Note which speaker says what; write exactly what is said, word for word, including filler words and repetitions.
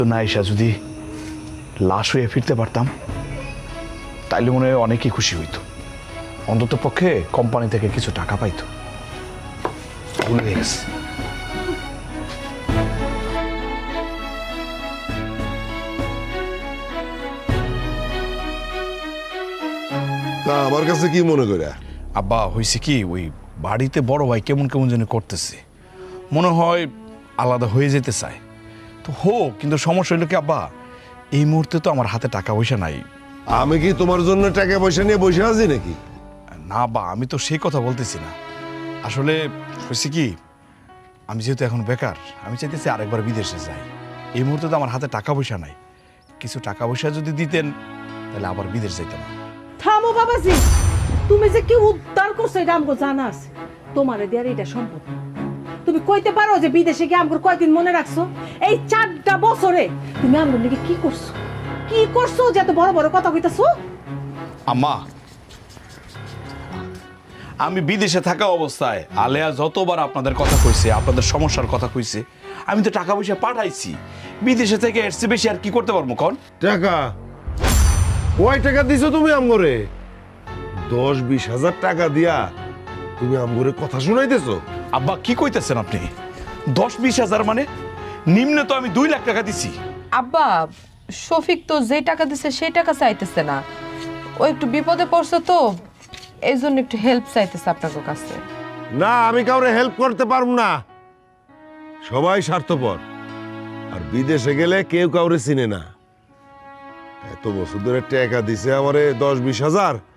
Speaker 1: না এসা যদি লাশ হয়ে ফিরতে পারতাম তাইলে মনে হয় অনেকেই খুশি হইতো, অন্তত পক্ষে কোম্পানি থেকে কিছু টাকা পাইতো। ভুলে গেছে।
Speaker 2: তা আমার কাছে কি মনে করে?
Speaker 1: আব্বা হয়েছে কি, ওই বাড়িতে বড় ভাই কেমন কেমন যেন করতেছে, মনে হয় আলাদা হয়ে যেতে চায়। তো হোক, কিন্তু সমস্যা হইলো কি আব্বা, এই মুহূর্তে তো আমার হাতে টাকা পয়সা নাই।
Speaker 2: আমি কি তোমার জন্য টাকা পয়সা নিয়ে বসে আছি নাকি?
Speaker 1: না বা, আমি তো সেই কথা বলতেছি না। আসলে হয়েছে কি, আমি যেহেতু এখন বেকার, আমি চাইতেছি আরেকবার বিদেশে যাই। এই মুহূর্তে তো আমার হাতে টাকা পয়সা নাই, কিছু টাকা পয়সা যদি দিতেন তাহলে আবার বিদেশ যাইতাম।
Speaker 3: থামো বাবাজি, তুমি যে কি উদ্ধার করছো এটা আমগো জানা আছে। তোমারে দেয়ার এটা সম্ভব না। তুমি কইতে পারো যে বিদেশে গিয়ে আমগো কয়দিন মনে রাখছো? এই চারটা বছরে তুমি আমগো নাকি কি করছো, কি করছো যে এত বড় বড় কথা কইতাছো?
Speaker 1: আম্মা, আমি বিদেশে থাকা অবস্থায় আলেয়া যতবার আপনাদের কথা কইছে, আপনাদের সমস্যার কথা কইছে, আমি তো টাকা পয়সা পাঠাইছি। বিদেশে থেকে এসছে, বেশি আর কি করতে পারবো কন?
Speaker 2: টাকা কয় টাকা দিছো তুমি আমগরে? দশ বিশ হাজার টাকা দিয়া তুমি আমগরে কথা শুনাইতেছো?
Speaker 1: আব্বা কি কইতেছেন আপনি? দশ বিশ হাজার মানে নিম্ন তো আমি দুই লাখ টাকা দিছি।
Speaker 4: আব্বা, শফিক তো যে টাকা দিছে সেই টাকা চাইতেছে না, ও একটু বিপদে পড়ছে তো এই জন্য একটু হেল্প চাইতেছে আপনার কাছে।
Speaker 2: না, আমি কাউরে হেল্প করতে পারবো না। সবাই স্বার্থপর, আর বিদেশে গেলে কেউ কাউরে চিনে না। এত বছর ধরে টাকা দিছে আমারে দশ বিশ হাজার,